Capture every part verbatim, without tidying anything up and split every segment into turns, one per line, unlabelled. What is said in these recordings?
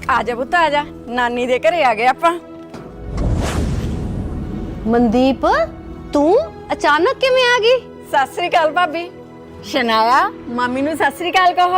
आजा पुत्त आजा, नानी दे घरे आ गए आपां।
मनदीप तू अचानक किवें आ गई?
सत श्री अकाल भाभी। शनाया मामी नूं सत श्री अकाल कहो।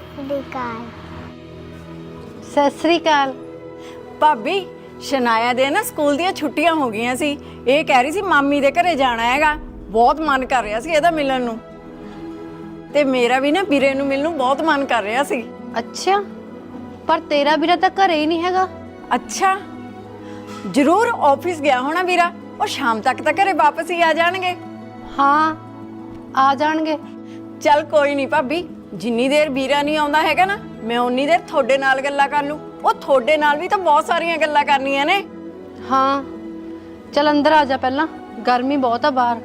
सत श्री अकाल।
भाभी शनाया दे ना स्कूल दियां छुट्टियां हो गईयां सी, ये कह रही सी मामी दे घरे जाना हैगा, बहुत मन कर रहा सी इहदा मिलण नूं, ते मेरा भी ना वीरे नूं मिलण नूं बहुत मन कर रहा सी।
अच्छा, पर तेरा वीरा तो घरे ही नहीं हैगा।
अच्छा, जरूर ऑफिस गया होना वीरा, और शाम तक तो घरे वापस ही आ जाणगे।
हाँ आ जाणगे।
चल कोई नहीं भाभी, जिन्नी देर वीरा नहीं आउंदा हैगा ना, मैं उन्नी देर थोड़े नाल गल्लां कर लूं। ਉਹ ਤੁਹਾਡੇ ਨਾਲ ਵੀ ਤਾਂ ਬਹੁਤ ਸਾਰੀਆਂ ਗੱਲਾਂ ਕਰਨੀਆਂ ਨੇ।
ਹਾਂ ਚਲ ਅੰਦਰ ਆ ਜਾ, ਪਹਿਲਾਂ ਗਰਮੀ ਬਹੁਤ ਆ ਬਾਹਰ।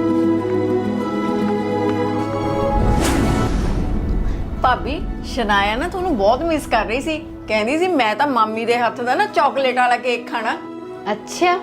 ਭਾਬੀ ਸ਼ਨਾਇਆ ਨਾ ਤੁਹਾਨੂੰ ਬਹੁਤ ਮਿਸ ਕਰ ਰਹੀ ਸੀ, ਕਹਿੰਦੀ ਸੀ ਮੈਂ ਤਾਂ ਮਾਮੀ ਦੇ ਹੱਥ ਦਾ ਨਾ ਚਾਕਲੇਟ ਵਾਲਾ ਕੇਕ ਖਾਣਾ।
ਅੱਛਾ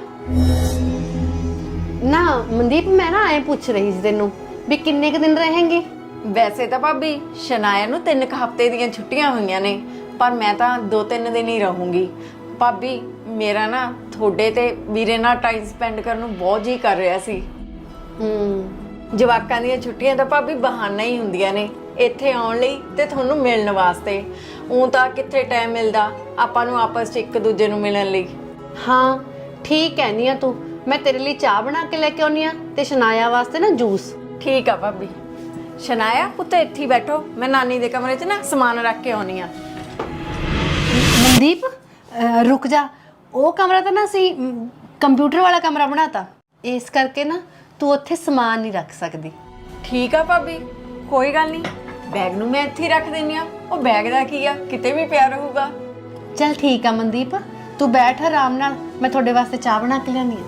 ਨਾ ਮਨਦੀਪ, ਮੈਂ ਨਾ ਐ ਪੁੱਛ ਰਹੀ ਸੀ ਤੈਨੂੰ ਵੀ ਕਿੰਨੇ ਕ ਦਿਨ ਰਹੇਂਗੀ?
ਵੈਸੇ ਤਾਂ ਭਾਬੀ ਸ਼ਨਾਇਆ ਨੂੰ ਤਿੰਨ ਕ ਹਫ਼ਤੇ ਦੀਆਂ ਛੁੱਟੀਆਂ ਹੋਈਆਂ ਨੇ, पर मैं तो दो तीन दिन ही रहूँगी। भाभी मेरा ना थोड़े ते वीरे नाल टाइम स्पेंड करने बहुत जी कर रहा सी। जवाकां दीयां छुट्टियां तां भाभी बहाना ही हुंदियां ने इत्थे आउण लई ते तुहानूं मिलण वास्ते। ऊं तां कित्थे टाइम मिलदा आपां नूं आपस च एक दूजे नूं मिलण लई।
हाँ ठीक कहनी आ तू, मैं तेरे लिए चाह बना के लेके आउणी आ ते शनाया वास्ते ना जूस। ठीक
आ भाभी। शनाया पुत्त इत्थे ही बैठो, मैं नानी दे कमरे च ना समान रख के आउणी आ।
मनदीप रुक जा, वो कमरा तो ना सी कंप्यूटर वाला कमरा बनाता, इस करके ना तू उत्थे समान नहीं रख सकती।
ठीक है भाभी, कोई गल नहीं, बैग नूं मैं इत्थे ही रख दिंदी आ, वो बैग दा की आ किते भी पिया रहूगा।
चल ठीक है मनदीप, तू बैठ आराम नाल, मैं थोड़े वास्ते चाह बना के लियानी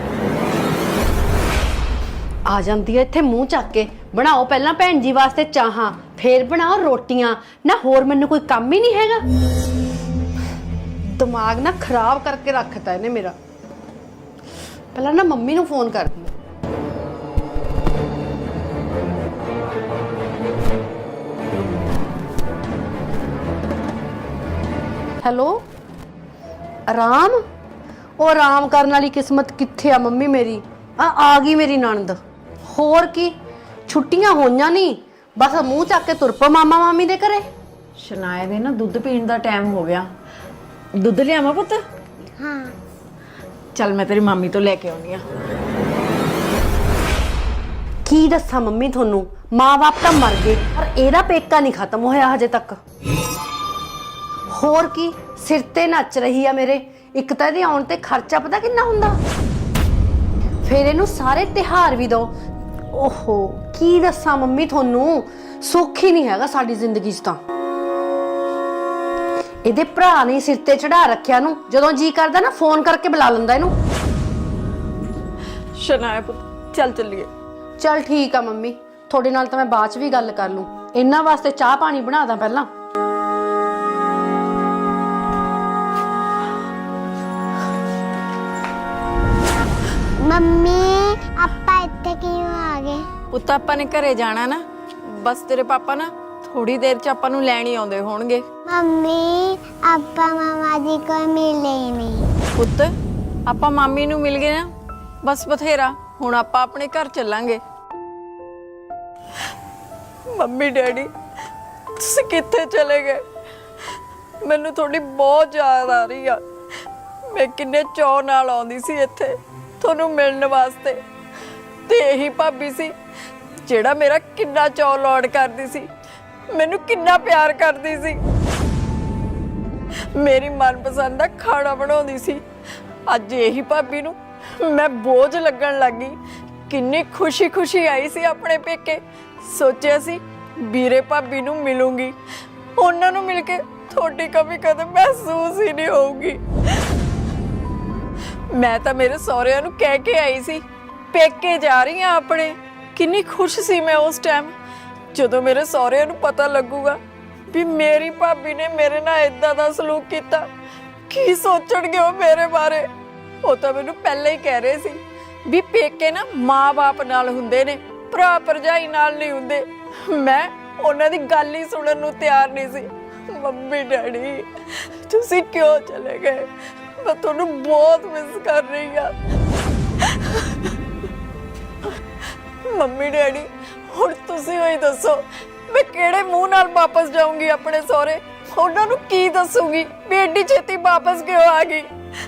आ जांदी है इत्थे मूँह चक के। बनाओ पहला भैन जी वास्ते चाहां, फिर बनाओ रोटियां, ना होर मैनूं कोई काम ही नहीं हैगा। दिमाग ना खराब करके रखता है ने मेरा। पहला ना मम्मी नूं फोन कर दी। हेलो आराम, ओ आराम करने वाली किस्मत कित्थे आ मम्मी मेरी। आ आ गई मेरी नणद, होर की छुट्टियां होईयां नहीं, बस मूँह चक के तुर पो मामा मामी दे घरे।
शनाया दे ना दुध पीण दा टाइम हो गया, दुध लियावां पुत्त?
हाँ
चल मैं तेरी मामी तो लेके आउणी आ।
की दस्सां मम्मी थोनू, माँ बाप तो मर गए पर एदा पेका नहीं खत्म होया हजे तक। होर की सिर ते नच रही है मेरे, एक तो इहदे आउण ते खर्चा पता किन्ना हुंदा, फिर इहनूं सारे तिहार भी दो। ओहो की दस्सां मम्मी थोनू, सुख ही नहीं हैगा साडी जिंदगी च तां। ਇਹਦੇ ਭਰਾ ਨੇ ਸਿਰ ਤੇ ਚੜਾ ਰੱਖਿਆ ਨੂੰ, ਜਦੋਂ ਜੀ ਕਰਦਾ ਨਾ ਫੋਨ ਕਰਕੇ ਬੁਲਾ ਲੈਂਦਾ ਇਹਨੂੰ।
ਸ਼ਨਾਇਆ ਪੁੱਤ ਚੱਲ ਚੱਲੀਏ।
ਚੱਲ ਠੀਕ ਆ ਮੰਮੀ, ਤੁਹਾਡੇ ਨਾਲ ਤਾਂ ਮੈਂ ਬਾਅਦ ਚ ਵੀ ਗੱਲ ਕਰ ਲੂੰ, ਇਹਨਾਂ ਵਾਸਤੇ ਚਾਹ ਪਾਣੀ ਬਣਾ ਦਾਂ ਪਹਿਲਾਂ।
ਮੰਮੀ ਆਪਾਂ ਇੱਥੇ ਕਿਉਂ ਆ ਗਏ?
ਪੁੱਤ ਆਪਾਂ ਨੇ ਘਰੇ ਜਾਣਾ ਨਾ, ਬਸ ਤੇਰੇ ਪਾਪਾ ਨਾ थोड़ी देर च आपां नूं लैण ही आउंदे होणगे।
मम्मी आपां मामा जी को मिले ही नहीं।
पुत्त आपां मामी नूं मिल गए ना, बस बथेरा, हुण आपां अपने घर चलांगे। मम्मी डैडी तुसीं कित्थे चले गए? मैनूं थोड़ी बहुत याद आ रही आ, मैं किन्ने चाअ नाल आउंदी सी इत्थे तुहानूं मिलण वास्ते, ते यही भाभी सी जिहड़ा मेरा किन्ना चाअ लौट करदी सी, मैनू किन्ना प्यार करती सी, मेरी मनपसंद का खाना बनाउंदी सी। अज यही भाभी नू मैं बोझ लगन लग गई। किन्नी खुशी खुशी आई सी अपने पेके, सोचिया सी वीरे भाभी नू मिलूंगी, उन्हां नू मिल के थोड़ी कभी कदे महसूस ही नहीं होगी। मैं तो मेरे सहुरिਆਂ नू कह के आई सी पेके जा रही हाँ अपने। किन्नी खुश सी मैं उस टाइम, ਜਦੋਂ ਮੇਰੇ ਸਹੁਰਿਆਂ ਨੂੰ ਪਤਾ ਲੱਗੂਗਾ ਵੀ ਮੇਰੀ ਭਾਬੀ ਨੇ ਮੇਰੇ ਨਾਲ ਇਦਾਂ ਦਾ ਸਲੂਕ ਕੀਤਾ, ਕੀ ਸੋਚਣਗੇ ਉਹ ਮੇਰੇ ਬਾਰੇ। ਉਹ ਤਾਂ ਮੈਨੂੰ ਪਹਿਲਾਂ ਹੀ ਕਹਿ ਰਹੇ ਸੀ ਵੀ ਪੇਕੇ ਨਾ ਮਾਂ-ਬਾਪ ਨਾਲ ਹੁੰਦੇ ਨੇ, ਭਰਾ ਭਰਜਾਈ ਨਾਲ ਨਹੀਂ ਹੁੰਦੇ। ਮੈਂ ਉਹਨਾਂ ਦੀ ਗੱਲ ਹੀ ਸੁਣਨ ਨੂੰ ਤਿਆਰ ਨਹੀਂ ਸੀ। ਮੰਮੀ ਡੈਡੀ ਤੁਸੀਂ ਕਿਉਂ ਚਲੇ ਗਏ? ਮੈਂ ਤੁਹਾਨੂੰ ਬਹੁਤ ਮਿਸ ਕਰ ਰਹੀ ਹਾਂ। ਮੰਮੀ ਡੈਡੀ ਹੁਣ ਤੁਸੀਂ ਹੋਈ ਦੱਸੋ, ਮੈਂ ਕਿਹੜੇ ਮੂੰਹ ਨਾਲ ਵਾਪਸ ਜਾਊਂਗੀ ਆਪਣੇ ਸਹੁਰੇ? ਉਹਨਾਂ ਨੂੰ ਕੀ ਦੱਸੂਗੀ ਵੀ ਐਡੀ ਛੇਤੀ ਵਾਪਸ ਕਿਉਂ ਆ ਗਈ?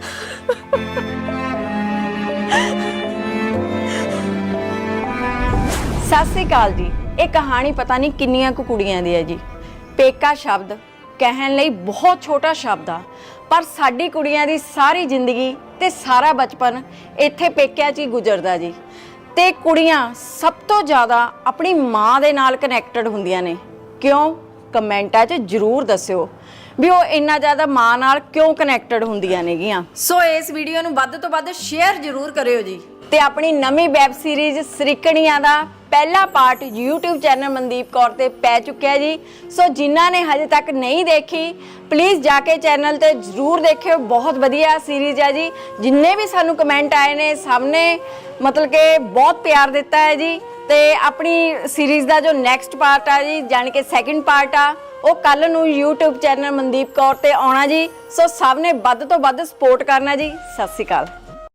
ਸਤਿ ਸ੍ਰੀ ਅਕਾਲ ਜੀ। ਇਹ ਕਹਾਣੀ ਪਤਾ ਨਹੀਂ ਕਿੰਨੀਆਂ ਕੁ ਕੁੜੀਆਂ ਦੀ ਹੈ ਜੀ। ਪੇਕਾ ਸ਼ਬਦ ਕਹਿਣ ਲਈ ਬਹੁਤ ਛੋਟਾ ਸ਼ਬਦ ਆ, ਪਰ ਸਾਡੀ ਕੁੜੀਆਂ ਦੀ ਸਾਰੀ ਜ਼ਿੰਦਗੀ ਤੇ ਸਾਰਾ ਬਚਪਨ ਇੱਥੇ ਪੇਕਿਆਂ 'ਚ ਹੀ ਗੁਜ਼ਰਦਾ ਜੀ। ਤੇ ਕੁੜੀਆਂ ਸਭ ਤੋਂ ਜ਼ਿਆਦਾ ਆਪਣੀ ਮਾਂ ਦੇ ਨਾਲ ਕਨੈਕਟਡ ਹੁੰਦੀਆਂ ਨੇ। ਕਿਉਂ? ਕਮੈਂਟਾਂ 'ਚ ਜ਼ਰੂਰ ਦੱਸਿਓ ਵੀ ਉਹ ਇੰਨਾ ਜ਼ਿਆਦਾ ਮਾਂ ਨਾਲ ਕਿਉਂ ਕਨੈਕਟਡ ਹੁੰਦੀਆਂ ਨੇਗੀਆਂ। ਸੋ ਇਸ ਵੀਡੀਓ ਨੂੰ ਵੱਧ ਤੋਂ ਵੱਧ ਸ਼ੇਅਰ ਜ਼ਰੂਰ ਕਰਿਓ ਜੀ। ਤੇ ਆਪਣੀ ਨਵੀਂ ਵੈਬ ਸੀਰੀਜ਼ ਸਰੀਕਣੀਆਂ ਦਾ ਪਹਿਲਾ part YouTube channel Mandeep Kaur ਤੇ ਪੈ ਚੁੱਕਿਆ ਜੀ। ਸੋ ਜਿਨ੍ਹਾਂ ਨੇ ਹਜੇ ਤੱਕ ਨਹੀਂ ਦੇਖੀ ਪਲੀਜ਼ ਜਾ ਕੇ ਚੈਨਲ ਤੇ ਜ਼ਰੂਰ ਦੇਖਿਓ। ਬਹੁਤ ਵਧੀਆ ਸੀਰੀਜ਼ ਹੈ ਜੀ। ਜਿੰਨੇ ਵੀ ਸਾਨੂੰ ਕਮੈਂਟ ਆਏ ਨੇ ਸਭ ਨੇ ਮਤਲਬ ਕਿ ਬਹੁਤ ਪਿਆਰ ਦਿੱਤਾ ਹੈ ਜੀ। ਤੇ ਆਪਣੀ ਸੀਰੀਜ਼ ਦਾ ਜੋ ਨੈਕਸਟ ਪਾਰਟ ਆ ਜੀ, ਜਾਣੀ ਕਿ ਸੈਕਿੰਡ ਪਾਰਟ ਆ, ਉਹ ਕੱਲ ਨੂੰ YouTube ਚੈਨਲ ਮਨਦੀਪ ਕੌਰ ਤੇ ਆਉਣਾ ਜੀ। ਸੋ ਸਭ ਨੇ ਵੱਧ ਤੋਂ ਵੱਧ ਸਪੋਰਟ ਕਰਨਾ ਜੀ। ਸਤਿ ਸ਼੍ਰੀ ਅਕਾਲ।